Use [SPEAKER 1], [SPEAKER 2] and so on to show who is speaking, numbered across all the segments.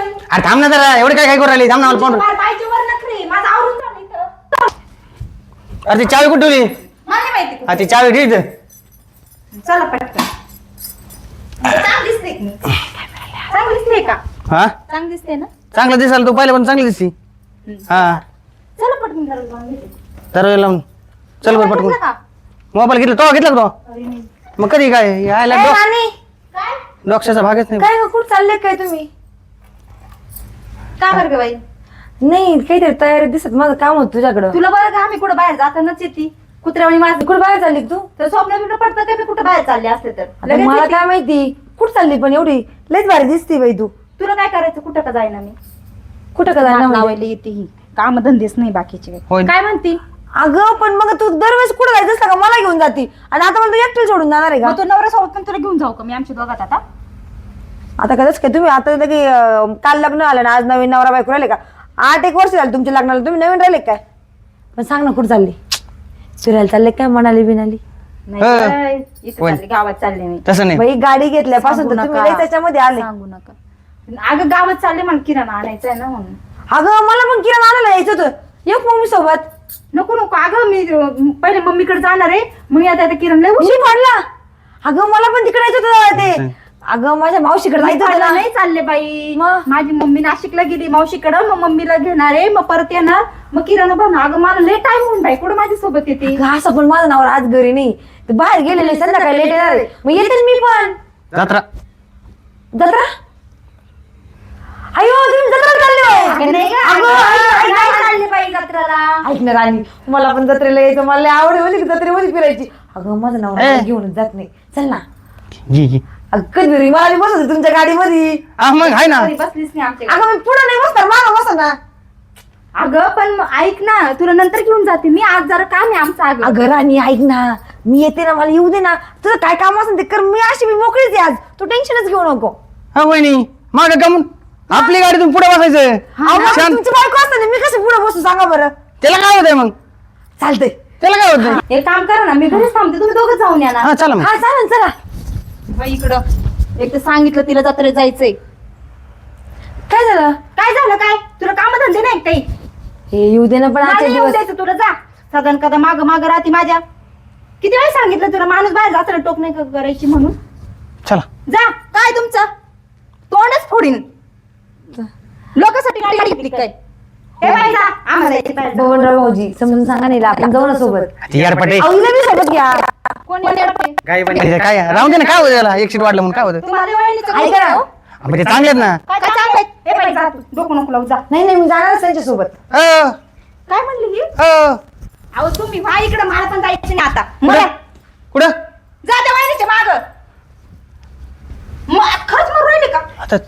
[SPEAKER 1] अरे थांब ना जरा एवढे काय करू राहिली थांब ना मला पाहून अरे ती चावी कुठे ठेवली ती चावी ठीक
[SPEAKER 2] चला पटकन चांगली दिसते की? चांगली दिसते का?
[SPEAKER 1] हा
[SPEAKER 2] चांगली दिसते ना?
[SPEAKER 1] चांगलं दिसाल तू पाहिलं पण चांगली दिसती हा
[SPEAKER 2] चला पटकन घराला जाऊन येते.
[SPEAKER 1] तर लावून चल बरं पटकून
[SPEAKER 2] घेतला का?
[SPEAKER 1] मोबाईल घेतला तो घेतला का तो
[SPEAKER 2] अरे नाही.
[SPEAKER 1] मग कधी काय यायला
[SPEAKER 3] ए, राणी,
[SPEAKER 2] काय?
[SPEAKER 1] डॉक्टरचा भागच नाही
[SPEAKER 3] काय ग, कुठं चालले काय तुम्ही?
[SPEAKER 2] का बरं ग बाई?
[SPEAKER 3] नाही काहीतरी तयारी दिसत माझं काम होत तुझ्याकडं.
[SPEAKER 2] तुला बरं का आम्ही कुठं बाहेर जातानाच येते कुत्र्यावणी माझं
[SPEAKER 3] कुठं बाहेर चालली का तू?
[SPEAKER 2] तर स्वप्न बिप्न पडतं का मी कुठं बाहेर चालले असते तर
[SPEAKER 3] आता
[SPEAKER 2] लगेच
[SPEAKER 3] मला
[SPEAKER 2] येते.
[SPEAKER 3] काय माहिती कुठं चालली पण एवढी लयच भारी दिसती बाई तू.
[SPEAKER 2] तुला काय करायचं कुठं का जाईना मी
[SPEAKER 3] कुठं का
[SPEAKER 2] नाक
[SPEAKER 3] जाणार म्हणजे?
[SPEAKER 2] लावायला येते ही काम धंदेच नाही बाकीचे
[SPEAKER 1] होय.
[SPEAKER 2] काय म्हणती
[SPEAKER 3] अगं पण मग तू दरवेळेस कुठं जायचं असतं का मला घेऊन जाती आणि आता मला तू एकटीला सोडून जाणार आहे का?
[SPEAKER 2] मग तो नवरा सोबत पण तुला घेऊन जाऊ का मी आमच्या दोघात आता
[SPEAKER 3] आता कदाच काय तुम्ही आता लगे काल लग्न आलं ना आज नवीन नवरा बायको राहिले का 8 वर्ष झाले तुमच्या लग्नाला तुम्ही नवीन राहिले काय? पण सांग ना कुठं चालली फिरायला चालले काय म्हणाली बिनाली?
[SPEAKER 2] नाही
[SPEAKER 1] हा.
[SPEAKER 2] काय, इथं
[SPEAKER 1] होय.
[SPEAKER 2] चालले, गावात चालले मी
[SPEAKER 1] तसं नाही
[SPEAKER 3] बाई गाडी घेतल्यापासून
[SPEAKER 2] सांगू
[SPEAKER 3] तर तुम्ही
[SPEAKER 2] नका.
[SPEAKER 3] लय त्याच्यामध्ये आले.
[SPEAKER 2] सांगू नका अगं गावात चालले मला किराणा आणायचा आहे ना म्हणून
[SPEAKER 3] अगं मला पण किराणा आणायला यायचं होतं एक मम्मी सोबत
[SPEAKER 2] नको नको अगं मी पहिले मम्मीकडे जाणार आहे मग आता किरण लय
[SPEAKER 3] मी पडला. अगं मला पण तिकडे यायचं होतं ते. अगं माझ्या मावशीकडे जायचं होतं ना.
[SPEAKER 2] नाही चालले बाई
[SPEAKER 3] मग?
[SPEAKER 2] माझी मम्मी नाशिकला गेली मावशीकडं मग मम्मीला घेणार आहे मग परत येणार मग किराणा बनणार अगं मला लेट टाइम होऊन बाई कुठं माझ्या सोबत येते
[SPEAKER 3] अगं, असं पण माझं नाव आज घरी नाही ते बाहेर गेलेले संध्याकाळी लेट येणार आहे. मग येते ना मी पण
[SPEAKER 1] जत्रा
[SPEAKER 3] जत्रा. अयो तुम्ही जत्रा चालले होय.
[SPEAKER 2] अगं, नाही गं,
[SPEAKER 3] अगं,
[SPEAKER 2] अगं, नाही चालले बाई जत्रेला
[SPEAKER 3] ऐक ना राणी मला पण जत्रेला यायचं मला लय आवड होती की जत्रेमध्ये फिरायची. अगं माझं नाव घेऊन जात नाही चल ना.
[SPEAKER 1] घे
[SPEAKER 3] अगं कधी मला बसत होती तुमच्या गाडीमध्ये.
[SPEAKER 1] हा मग आहे ना
[SPEAKER 2] घरी बसलीच नाही आमच्या
[SPEAKER 3] अगं मी पुढे नाही बसणार मागं बसा ना.
[SPEAKER 2] अगं पण मग ऐक ना तुला नंतर घेऊन जाते मी आज जरा काम आहे आमचं अगं
[SPEAKER 3] अगं राणी ऐक ना मी येते ना मला येऊ दे ना तुझं काय काम असेल ते कर मी अशी मी मोकळीच आहे आज तू टेन्शनच घेऊ नको.
[SPEAKER 1] हा वहिनी माग कमून आपली गाडी तुम्ही पुढे बसायचं
[SPEAKER 3] अहो, मग
[SPEAKER 1] शांत.
[SPEAKER 3] तुमची बायको असते ना मी कसं पुढे बसू सांगा बरं.
[SPEAKER 1] त्याला काय होतंय मग
[SPEAKER 3] चालतंय.
[SPEAKER 1] त्याला काय होतंय
[SPEAKER 2] एक काम करा ना मी घरीच थांबते तुम्ही दोघं जाऊन या ना
[SPEAKER 1] हा चला मग
[SPEAKER 3] हा चालेल चला.
[SPEAKER 2] बाई इकडं एक तर सांगितलं तिला जत्रेत जायचंय
[SPEAKER 3] काय झालं
[SPEAKER 2] काय झालं काय तुला काम धंदे नाही काही
[SPEAKER 3] हे येऊ दे ना पण
[SPEAKER 2] मला
[SPEAKER 3] आजच्या
[SPEAKER 2] येऊ
[SPEAKER 3] दिवस
[SPEAKER 2] द्यायचं तुला जा सदन कदा माग माग राहते माझ्या किती वेळ सांगितलं तुला माणूस बाहेर जाताना टोक नाही करायची म्हणून
[SPEAKER 1] चला
[SPEAKER 2] जा काय तुमचं तोंडच फोडीन लोकांसाठी गाडी गाडी घेतली काय हे बाई जा आम्हाला यायचं बाहेर जा.
[SPEAKER 3] बबनराव भाऊजी समजून सांगा नाही आपण जाऊ ना सोबत.
[SPEAKER 1] यार पटे
[SPEAKER 3] अहो, हिला बी सोबत घ्या.
[SPEAKER 2] कोण येणार बाई?
[SPEAKER 1] काय राहून दे ना काय होतं त्याला एक सीट वाढलं म्हणून काय होतं
[SPEAKER 2] तुम्हाला वहिनीचं काही
[SPEAKER 3] ऐका ना.
[SPEAKER 2] नाही, हो?
[SPEAKER 1] म्हणजे चांगले आहेत ना
[SPEAKER 2] काय काय चांगलं आहे? हे बाई जा तू डोकं नको लावू जा
[SPEAKER 3] नाही नाही मी जाणारच त्यांच्या सोबत.
[SPEAKER 1] अ,
[SPEAKER 2] काय म्हणली ही
[SPEAKER 1] अ,
[SPEAKER 2] अहो तुम्ही व्हा इकडे मला पण जायचं नाही आता
[SPEAKER 1] कुठं
[SPEAKER 2] मला
[SPEAKER 1] कुठं
[SPEAKER 2] जा त्या वहिनीच्या माग खरंच मरून राहिले का
[SPEAKER 1] आता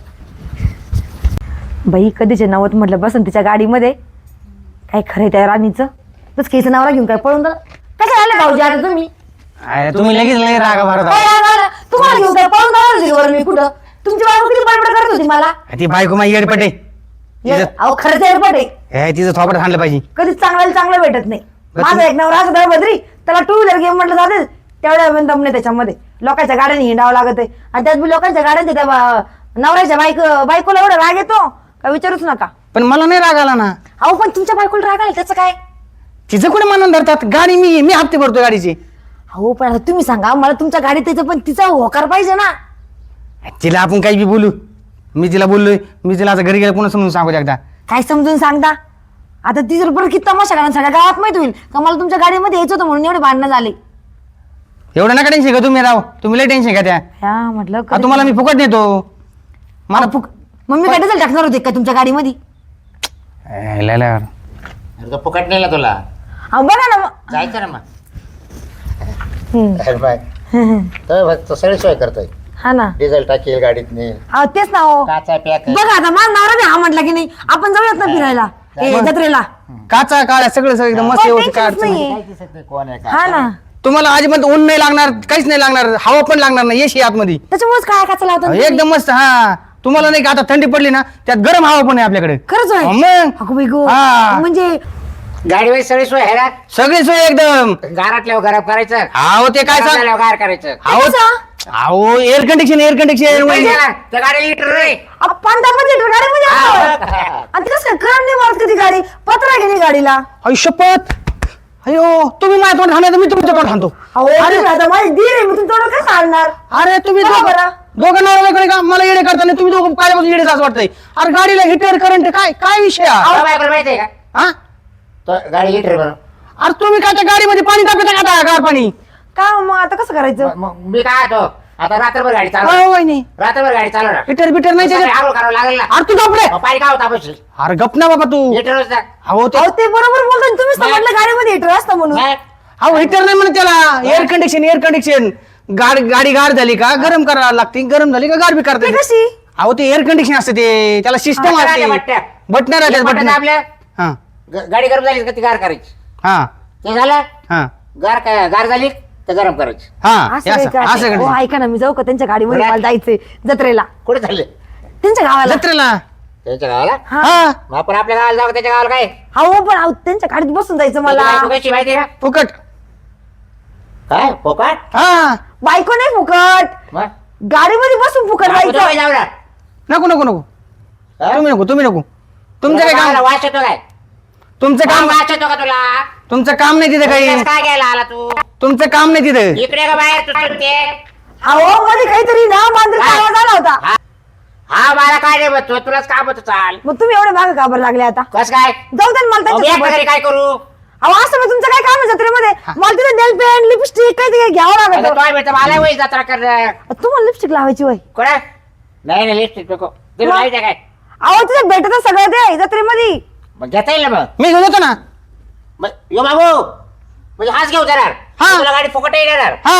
[SPEAKER 3] बाई कधीचे नवत म्हटलं बसन तिच्या गाडीमध्ये काय खरंय त्या राणीचं तस केचं नावला घेऊन काय पळून जा कसं आलं भाऊजी आता तुम्ही
[SPEAKER 1] अरे तुम्ही लगेच लय रागा भरत
[SPEAKER 3] काय रागावला? तुम्हाला घेऊन काय पळून जाणार होती वर मी कुठं तुमची बायको किती बडबड करत होती मला.
[SPEAKER 1] ती बायको माझी येड पटे
[SPEAKER 3] अहो खरंच एअरपोर्ट आहे
[SPEAKER 1] हे तिचं थोपट आणलं पाहिजे
[SPEAKER 3] कधीच चांगल्याला चांगलं भेटत नाही.
[SPEAKER 1] बरं
[SPEAKER 3] माझा एक नवरा असं बद्री त्याला 2 व्हीलर गेम म्हटलं जाते तेवढ्या दम नाही त्याच्यामध्ये लोकांच्या गाड्याने हिंडावं लागत आहे आणि त्यात बी लोकांच्या गाड्यांच्या त्या नवऱ्याच्या बायकोला एवढा राग येतो का विचारूच नका.
[SPEAKER 1] पण मला नाही राग आला ना
[SPEAKER 3] अहो पण तुमच्या बायकोला राग आला त्याचं काय.
[SPEAKER 1] तिचं कुठे मनात धरतात गाडी मी हप्ते भरतो गाडीचे
[SPEAKER 3] हो पण आता तुम्ही सांगा मला तुमच्या गाडीत त्याचं पण तिचा होकार पाहिजे ना.
[SPEAKER 1] तिला आपण काही बी बोलू मी तिला बोललोय मी तिला आता घरी गेलं पुन्हा समजून सांगू एकदा
[SPEAKER 3] काय समजून सांगता आता ती जर परत किती तमाशा करा सगळ्या गावात माहित होईल का मला तुमच्या गाडीमध्ये यायचं होतं म्हणून एवढे भांडणं झाले.
[SPEAKER 1] एवढं नका टेन्शन घ्या तुम्ही राव तुम्ही लय टेन्शन घ्या त्या
[SPEAKER 3] ह्या म्हटलं
[SPEAKER 1] हा, तुम्हाला मी फुकट नेतो
[SPEAKER 3] मला मम्मी काय डिझेल टाकणार होते का तुमच्या गाडीमध्ये.
[SPEAKER 4] अरे तो फुकट नेला तुला
[SPEAKER 3] अहो बघा ना मग.
[SPEAKER 4] जायचं ना मग
[SPEAKER 3] हम्म.
[SPEAKER 4] अरे बाय तर तो सगळी सोय करतोय
[SPEAKER 3] हा ना
[SPEAKER 4] डिझेल टाकेल गाडीत नेल
[SPEAKER 3] अहो तेच ना हो
[SPEAKER 4] काचा पॅक
[SPEAKER 3] बघा आता माझा नवरा बी हा म्हटला की नाही आपण जाऊयात ना फिरायला जत्रेला.
[SPEAKER 1] काचा काळ्या सगळं एकदम मस्त
[SPEAKER 3] हो,
[SPEAKER 1] व्यवस्थित काय
[SPEAKER 3] टेन्शनच
[SPEAKER 1] अडचण नाही.
[SPEAKER 3] नाहीये.
[SPEAKER 4] काय दिसत नाही कोण आहे
[SPEAKER 3] हा ना
[SPEAKER 1] तुम्हाला अजिबात ऊन नाही लागणार काहीच नाही लागणार हवा पण लागणार नाही एसी आतमध्ये
[SPEAKER 3] त्याच्यामुळेच काय काचा लावतात
[SPEAKER 1] एकदम मस्त हा तुम्हाला नाही का आता थंडी पडली ना त्यात गरम हवा पण आहे आपल्याकडे
[SPEAKER 3] खरंच आहे.
[SPEAKER 1] मग
[SPEAKER 3] अगो बाई गो.
[SPEAKER 1] हा.
[SPEAKER 3] म्हणजे
[SPEAKER 4] गाडीवर सगळी सोय आहे ना
[SPEAKER 1] सगळी सोय एकदम
[SPEAKER 4] गारातल्यावर गरम करायचं
[SPEAKER 1] अहो ते काय सांग
[SPEAKER 4] गार करायचं
[SPEAKER 1] अहो एअर कंडिशन
[SPEAKER 4] त्या गाडी लिटर रे
[SPEAKER 3] अहो, 5-10 लिटर गाडी मध्ये असतं. आणि ते कसं काय करंट नाही मारत कधी गाडी पत्रा गेली गाडीला.
[SPEAKER 1] शपथ. अयो तुम्ही माझ्या तोंड खाणार मी तुमच्या तोंड खातो.
[SPEAKER 3] अहो तुम्ही आता माझी दीर आहे मी तुमच्यावर काय सांगणार.
[SPEAKER 1] अरे तुम्ही
[SPEAKER 3] बघा बरं.
[SPEAKER 1] दोघं नवऱ्याकडे का मला येडे करताना तुम्ही दोघं काय येडे असं वाटतंय. अरे गाडीला हिटर करंट काय काय विषय हा?
[SPEAKER 4] तो बायकोला माहिती आहे का
[SPEAKER 1] हा?
[SPEAKER 4] तो गाडी हिटर म्हणून
[SPEAKER 1] अरे तुम्ही काय त्या गाडीमध्ये पाणी टाकता का गार पाणी?
[SPEAKER 3] का मग आता कसं करायचं.
[SPEAKER 4] मग मी काय तो आता रात्रभर गाडी चालव
[SPEAKER 1] हो वहिनी
[SPEAKER 4] रात्रभर गाडी चालवणार
[SPEAKER 1] हिटर बिटर नाही त्याच्यात.
[SPEAKER 4] आरोप करावं लागेल ना
[SPEAKER 1] अरे तू गपडे.
[SPEAKER 4] मग पाणी काय होता बस
[SPEAKER 1] अरे गप ना बाबा तू.
[SPEAKER 4] हिटरच ना
[SPEAKER 1] अहो ते
[SPEAKER 3] अहो ते बरोबर बोलतो तुम्ही समजलं गाडीमध्ये हिटर असतं म्हणून.
[SPEAKER 4] मग
[SPEAKER 1] अहो हिटर नाही म्हणत त्याला. एअर कंडिशन गाडी गार झाली का गरम करायला लागते. गरम झाली का गार बी
[SPEAKER 3] ते
[SPEAKER 1] करते.
[SPEAKER 3] कशी
[SPEAKER 1] अहो ते एअर कंडिशन असते ते त्याला सिस्टम
[SPEAKER 4] बटणं
[SPEAKER 1] असते.
[SPEAKER 4] राहते,
[SPEAKER 1] बटणं राहतात
[SPEAKER 4] एक बटन
[SPEAKER 1] बटणं.
[SPEAKER 4] दाबलं,
[SPEAKER 1] हा
[SPEAKER 4] गाडी गरम झाली का ती गार करायची
[SPEAKER 1] हा
[SPEAKER 4] ते झालं
[SPEAKER 1] हा
[SPEAKER 4] गार झाली तर गरम करायची
[SPEAKER 1] हा
[SPEAKER 3] असं
[SPEAKER 1] हे
[SPEAKER 3] काय
[SPEAKER 1] असं
[SPEAKER 3] का?
[SPEAKER 1] असं
[SPEAKER 3] हो,
[SPEAKER 1] करायचं.
[SPEAKER 3] ऐका ना मी जाऊ का त्यांच्या गाडीमध्ये
[SPEAKER 4] बरं.
[SPEAKER 3] मला जायचंय जत्रेला
[SPEAKER 4] कुठे झाले
[SPEAKER 3] त्यांच्या गावाला.
[SPEAKER 1] जत्रेला
[SPEAKER 4] त्यांच्या गावाला
[SPEAKER 1] हा
[SPEAKER 4] मग आपण आपल्या गावाला जाऊ का त्याच्या गावाला काय
[SPEAKER 3] अहो पण अहो, त्यांच्या गाडीत बसून जायचं मला.
[SPEAKER 4] त्याची बायको कशी माहिती आहे का
[SPEAKER 1] फुकट.
[SPEAKER 4] काय फोकाट
[SPEAKER 1] हा
[SPEAKER 3] बायको नाही फुकट
[SPEAKER 4] मग
[SPEAKER 3] गाडीमध्ये बसून फुकट
[SPEAKER 4] आपण दोघं
[SPEAKER 3] जायचं.
[SPEAKER 4] जाऊ ना
[SPEAKER 1] नको नको नको
[SPEAKER 4] हा?
[SPEAKER 1] तुम्ही नको तुमचं काय
[SPEAKER 4] गावाला
[SPEAKER 1] काम
[SPEAKER 4] वास येतो काय
[SPEAKER 1] तुमचं काम
[SPEAKER 4] वास येतो का तुला
[SPEAKER 1] तुमचं काम नाही तिथे काही.
[SPEAKER 4] उगाच काय घ्यायला आला तू
[SPEAKER 1] तुमचं काम नाही तिथे.
[SPEAKER 4] इकडे का बाहेर तू सुटते
[SPEAKER 3] अहो मध्ये काहीतरी ना मांजरीचा आवाज आला होता.
[SPEAKER 4] हा मला काय नाही बघतो तुलाच काम होतं चाल
[SPEAKER 3] मग तुम्ही एवढे मागे का बरं लागले आता.
[SPEAKER 4] कस काय
[SPEAKER 3] जाऊ दे ना मला
[SPEAKER 4] मग मी
[SPEAKER 3] त्यांच्यासोबत.
[SPEAKER 4] एकटा घरी काय करू
[SPEAKER 3] अहो असं मग तुमचं काय काम आहे जत्रेमध्ये. मला तिथे नेल पेंट लिपस्टिक काहीतरी घ्यावं
[SPEAKER 4] आता
[SPEAKER 3] लागत.
[SPEAKER 4] तो भेटतो मला वय जत्रा कर
[SPEAKER 3] तुम्हाला लिपस्टिक लावायची वय.
[SPEAKER 4] कोणा नाही नाही लिपस्टिक नको ते
[SPEAKER 3] मग?
[SPEAKER 4] माहिती आहे काय
[SPEAKER 3] अहो तिथे भेटत सगळं ते जत्रेमध्ये.
[SPEAKER 4] मग घेता येईल ना मग
[SPEAKER 1] मी घेऊन येतो ना.
[SPEAKER 4] मग यो बाबू म्हणजे हाच घेऊन जाणार
[SPEAKER 1] हा.
[SPEAKER 4] तुला गाडी फुकट येणार
[SPEAKER 1] हा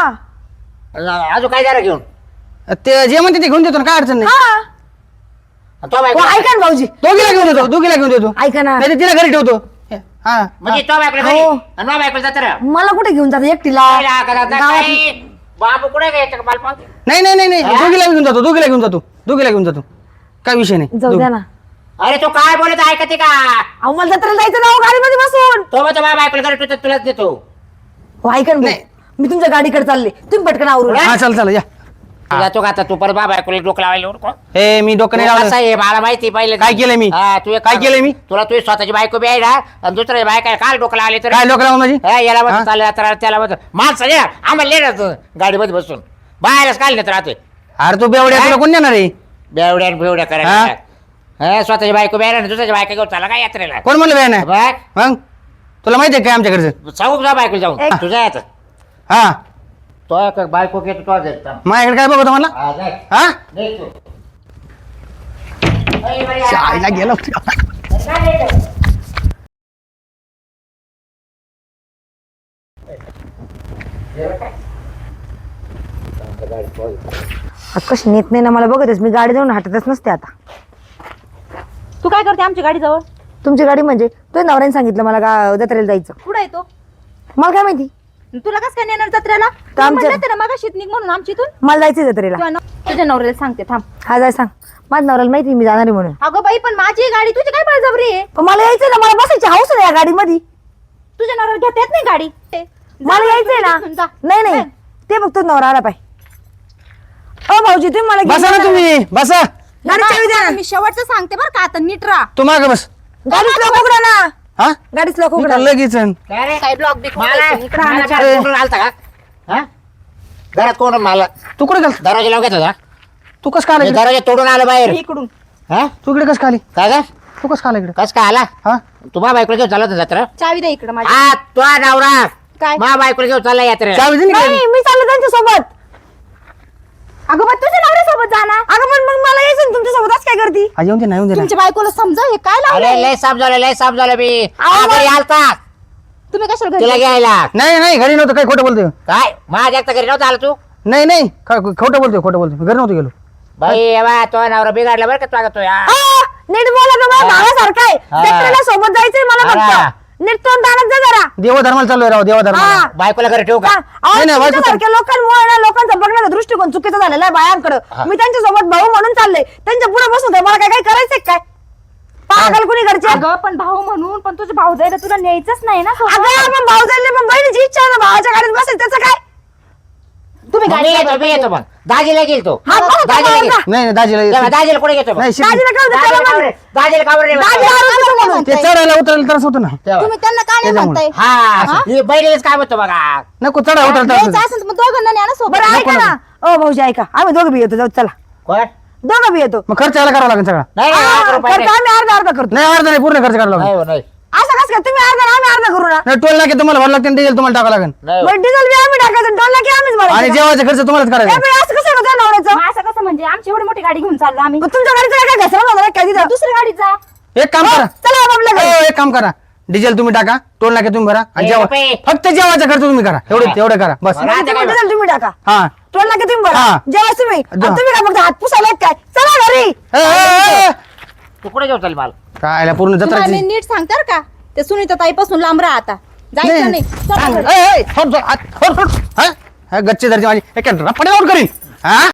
[SPEAKER 3] हा
[SPEAKER 4] अजून काय जाणार घेऊन
[SPEAKER 1] ते जे म्हणते ते घेऊन देतो ना काय अडचण नाही.
[SPEAKER 3] हा
[SPEAKER 4] आणि तो
[SPEAKER 3] हो,
[SPEAKER 4] बायको
[SPEAKER 3] ऐका ना भाऊजी
[SPEAKER 1] दोघीला घेऊन देतो दोघीला घेऊन देतो.
[SPEAKER 3] ऐका ना
[SPEAKER 1] नाही तर तिला घरी ठेवतो. हा
[SPEAKER 4] म्हणजे तो बायकोला घरी
[SPEAKER 3] हो.
[SPEAKER 4] आणि माझ्या बायकोला जत्रा
[SPEAKER 3] मला कुठे घेऊन जात एकटीला गावात.
[SPEAKER 4] बाबू कुठे घ्यायचं मला पाहतो
[SPEAKER 1] नाही नाही नाही नाही
[SPEAKER 4] हा?
[SPEAKER 1] दोघीला घेऊन जातो दोघीला घेऊन जातो काय विषय नाही.
[SPEAKER 3] जाऊ द्या ना.
[SPEAKER 4] अरे तू काय बोलत ऐकते का
[SPEAKER 3] अहो मला जत्रेला जायचं ना हो, गाडीमध्ये बसून.
[SPEAKER 4] तो मग माझ्या बायकोला घरी ठेवतो तुलाच देतो
[SPEAKER 3] हो ऐका ना
[SPEAKER 1] नाही.
[SPEAKER 3] भाऊ. मी तुमच्या गाडीकडे चालले तुम्ही पटकन आवरून.
[SPEAKER 1] हा चल या.
[SPEAKER 4] तू जातो का आता तू परत बाबा बायकोला डोकं लावायला
[SPEAKER 1] ए मी डोकं नाही लावलं.
[SPEAKER 4] आहे मला माहिती पहिले
[SPEAKER 1] काय केलंय मी?
[SPEAKER 4] हा, तू एक
[SPEAKER 1] काय
[SPEAKER 4] काम-
[SPEAKER 1] केलंय मी?
[SPEAKER 4] तुला तुझी स्वतःची बायको बी आहे ना आणि दुसऱ्या बायका काल डोकं लावले तर
[SPEAKER 1] काय लोक माझी
[SPEAKER 4] हा, याला
[SPEAKER 1] हा?
[SPEAKER 4] बस चाललं तर त्याला बस माणसं ये आम्हाला लेट गाडीमध्ये बसून बाहेरच काल नेत राहतोय
[SPEAKER 1] अरे तू बेवड्या तुला कोण देणार आहे.
[SPEAKER 4] बेवड्या आणि बेवड्या करायला
[SPEAKER 1] हा?
[SPEAKER 4] हा, स्वतःची बायको बी आहे ना दुसऱ्याची बायका घेऊन चाला काय यात्रेला
[SPEAKER 1] कोण म्हणलं बेन
[SPEAKER 4] बघ
[SPEAKER 1] मग तुला माहिती आहे काय आमच्या घरचं.
[SPEAKER 4] सांगू जा बायको जाऊन
[SPEAKER 3] एक-
[SPEAKER 4] तुझ्या यात
[SPEAKER 1] हा
[SPEAKER 4] तो एक बायको घेतो तो देत
[SPEAKER 1] माझ्याकडे काय बघतो मला
[SPEAKER 4] हा जाय
[SPEAKER 1] हा
[SPEAKER 4] देख तू. अय, बरी आहे.
[SPEAKER 1] आईला गेलो
[SPEAKER 4] काय देतो?
[SPEAKER 3] कशी नेत नाही ना मला बघतच मी गाडी जाऊन हटतच नसते आता.
[SPEAKER 2] तू काय करते आमच्या गाडी जवळ
[SPEAKER 3] तुमची गाडी म्हणजे तुझ्या नवऱ्याने सांगितलं मला जत्रेला जायचं.
[SPEAKER 2] कुठं आहे तो
[SPEAKER 3] मला काय माहिती
[SPEAKER 2] तुला कसं काय नेणार जत्रेला
[SPEAKER 3] आमच्या-
[SPEAKER 2] म्हणलं ना मग निघ म्हणून आमच्या इथून
[SPEAKER 3] मला जायचंय जत्रेला.
[SPEAKER 2] किंवा तुझ्या नवऱ्याला सांगते थांब.
[SPEAKER 3] हा जाय सांग माझ्या नवऱ्याला माहिती मी जाणार आहे म्हणून.
[SPEAKER 2] अगं बाई पण माझी गाडी तुझी काय बळजबरी आहे.
[SPEAKER 3] पण मला यायचंय ना मला बसायची हौस आहे या गाडीमध्ये.
[SPEAKER 2] तुझ्या नवऱ्याला घेता येत नाही गाडी
[SPEAKER 3] मला यायचंय ना. नाही नाही ते बघतो नवरा आला पाय. ओ भाऊजी तुम्ही मला घेऊन
[SPEAKER 1] बसा ना
[SPEAKER 3] जा.
[SPEAKER 1] तुम्ही बसा.
[SPEAKER 3] गाडी चावी द्या ना.
[SPEAKER 2] मी शेवटचं सांगते बरं का आता नीट राहा.
[SPEAKER 1] तू माग बस.
[SPEAKER 3] गाडीच लोक उघडा ना.
[SPEAKER 1] हा
[SPEAKER 3] गाडीच लोक
[SPEAKER 1] मी
[SPEAKER 3] उघडा.
[SPEAKER 1] का लगेच
[SPEAKER 4] काय रे?
[SPEAKER 2] काय ब्लॉक बिक
[SPEAKER 4] मला
[SPEAKER 2] इकडं
[SPEAKER 4] मला
[SPEAKER 2] आणायचं.
[SPEAKER 4] घरात कोण आलता का हा? घरात कोण मला
[SPEAKER 1] तू कुठे गेल
[SPEAKER 4] दरवाजा लावून घेतला
[SPEAKER 1] तू कस का आला
[SPEAKER 4] मी
[SPEAKER 1] इकडे?
[SPEAKER 4] दरवाजा तोडून आलो बाहेर
[SPEAKER 2] इकडून
[SPEAKER 4] हा
[SPEAKER 1] तू इकडे कस का आली
[SPEAKER 4] काय का
[SPEAKER 1] तू कस का आला इकडे
[SPEAKER 4] कस काय आला
[SPEAKER 1] हा
[SPEAKER 4] तुम्हा बायकोला घेऊन चालत जत्रा
[SPEAKER 2] चावी दे इकडे माझी.
[SPEAKER 4] हा तो नवरा
[SPEAKER 2] काय
[SPEAKER 4] मा बायकोला घेऊन चालला यात्रेला
[SPEAKER 1] चावी दे ना इकडे.
[SPEAKER 3] नाही मी चाललो त्यांच्या सोबत.
[SPEAKER 2] अगं पण तुझ्या नवऱ्यासोबत जाणार.
[SPEAKER 3] अगं पण मग मला यायचं ना तुमच्या सोबत असं काय करती.
[SPEAKER 1] हा, येऊन दे ना येऊन दे ना.
[SPEAKER 2] तुमच्या बायकोला समजा हे काय
[SPEAKER 4] अरे
[SPEAKER 2] लावलंय.
[SPEAKER 4] लय साफ झालं मी
[SPEAKER 3] आवाज-
[SPEAKER 4] घरी आलता
[SPEAKER 2] तुम्ही कशाला
[SPEAKER 4] तिला
[SPEAKER 2] घरी
[SPEAKER 4] घ्यायला
[SPEAKER 1] नाही नाही घरी नव्हतं काय खोटं बोलतोय.
[SPEAKER 4] काय माझ्या एकटा घरी नव्हता आला तू
[SPEAKER 1] नाही नाही खोटं बोलतोय घरी नव्हतं गेलो.
[SPEAKER 4] बाई बा तो नवरा बिघडला बरं का तू तो या
[SPEAKER 3] नीट बोला ना मला भावासारखं आहे.
[SPEAKER 4] हा.
[SPEAKER 3] जत्रेला सोबत जायचंय मला
[SPEAKER 4] हा.
[SPEAKER 3] फक्त. नीट तोंड आणत जा जरा.
[SPEAKER 1] देवधर्माला चाललोय राव देवधर्माला.
[SPEAKER 3] हा.
[SPEAKER 4] बायकोला घरी ठेवू का
[SPEAKER 3] हा. अहो,
[SPEAKER 1] नाही, नाही, बायको
[SPEAKER 3] तुमच्यासारख्या लोकांमुळे ना लोकांचा बघण्याचा दृष्टिकोन चुकीचा झालेला आहे बायांकडे.
[SPEAKER 4] हा.
[SPEAKER 3] मी त्यांच्या सोबत भाऊ म्हणून चालले त्यांच्या पुढे बसून मला काय काय करायचंय काय पागल कुणी घरचे.
[SPEAKER 2] अगं पण भाऊ म्हणून पण तुझं भाऊ जायला तुला न्यायचंच नाही ना सोबत.
[SPEAKER 3] अगं आपण भाऊ जायले पण बहिणीची इच्छा आहे ना भावाच्या गाडीत बसायचं त्याचं काय.
[SPEAKER 2] तुम्ही
[SPEAKER 4] मग
[SPEAKER 2] गाडी
[SPEAKER 4] मी येतो मी येतो मग दाजीला गेल तो
[SPEAKER 3] हा, बरं,
[SPEAKER 4] दाजीला
[SPEAKER 3] बरं,
[SPEAKER 4] गेल
[SPEAKER 3] बरं.
[SPEAKER 1] नाही नाही, दाजीला
[SPEAKER 4] दाजीला कुठे घेतो
[SPEAKER 1] नाही शिक-
[SPEAKER 3] दाजीला काय होतं? त्याला म्हण.
[SPEAKER 4] दाजीला कावर रे
[SPEAKER 3] दाजी आरोग्य म्हणून.
[SPEAKER 1] ते चढायला उतरायला त्रास होतो ना
[SPEAKER 2] तुम्ही त्यांना का नाही म्हणताय
[SPEAKER 4] हा हे बैलेच काय होतं बघा
[SPEAKER 1] नको चढा उतरायला त्रास
[SPEAKER 2] द्यायचं
[SPEAKER 1] होतो.
[SPEAKER 2] असेल तर मग दोघांना न्या ना सोबत
[SPEAKER 3] बरं ऐका ना ओ भाऊजी ऐका आम्ही दोघं बी येतो जाऊ चला
[SPEAKER 4] कोण
[SPEAKER 3] दोघं बी येतो
[SPEAKER 1] मग खर्च यायला करावा लागेल सगळा
[SPEAKER 4] नाही
[SPEAKER 3] हा,
[SPEAKER 4] नाही, लाख रुपये
[SPEAKER 3] खर्च
[SPEAKER 4] नाही.
[SPEAKER 3] आम्ही अर्धा अर्धा करतो
[SPEAKER 1] नाही अर्धा नाही पूर्ण खर्च करावा लागेल
[SPEAKER 4] नाही हो, नाही
[SPEAKER 3] असं कसं काय तुम्ही अर्धा आम्ही अर्धा करू ना
[SPEAKER 1] नाही टोल नाके तुम्हाला भरावं लागते डिझेल तुम्हाला टाकावं लागेल
[SPEAKER 4] नाही हो.
[SPEAKER 3] बरं डिझेल बी आम्ही टाकायचं डोला की आम्हीच
[SPEAKER 1] आणि
[SPEAKER 3] भरायचं
[SPEAKER 1] जेवायचा खर्च तुम्हालाच
[SPEAKER 3] ए
[SPEAKER 1] करायचा
[SPEAKER 3] बाई, असं कसं होतं नवऱ्याचं
[SPEAKER 2] मग असं कसं म्हणजे आमची एवढी मोठी गाडी घेऊन चाललो आम्ही
[SPEAKER 3] मग तुमच्या गाडीचं काय घसरा होणार काय तिथं
[SPEAKER 2] दुसऱ्या गाडीत जा
[SPEAKER 1] एक काम करा
[SPEAKER 3] चला बाबा घरी.
[SPEAKER 1] एक काम करा डिझेल तुम्ही टाका टोल नाके तुम्ही भरा आणि
[SPEAKER 4] ए,
[SPEAKER 1] जेवा
[SPEAKER 4] बाई.
[SPEAKER 1] फक्त जेवायचा खर्च तुम्ही करा एवढं करा बस
[SPEAKER 4] मला आता काय-
[SPEAKER 3] डिझेल तुम्ही टाका
[SPEAKER 1] हा
[SPEAKER 3] टोल नाके तुम्ही भरा
[SPEAKER 1] हा.
[SPEAKER 3] जेव्हा तुम्ही आणि
[SPEAKER 1] जा.
[SPEAKER 3] तुम्ही काय फक्त हात पुसायला काय चला घरी
[SPEAKER 1] ए,
[SPEAKER 4] तू कुठे घेऊन चाल मला
[SPEAKER 1] काय पूर्ण
[SPEAKER 2] तुम्हाला मी
[SPEAKER 1] जत्राची
[SPEAKER 2] नीट सांगतार का ते सुनीता ताईपासून लांब राहा आता जायचं नाही चला घरी.
[SPEAKER 1] गच्ची धरची माझी एक रपड्यावर करीन हा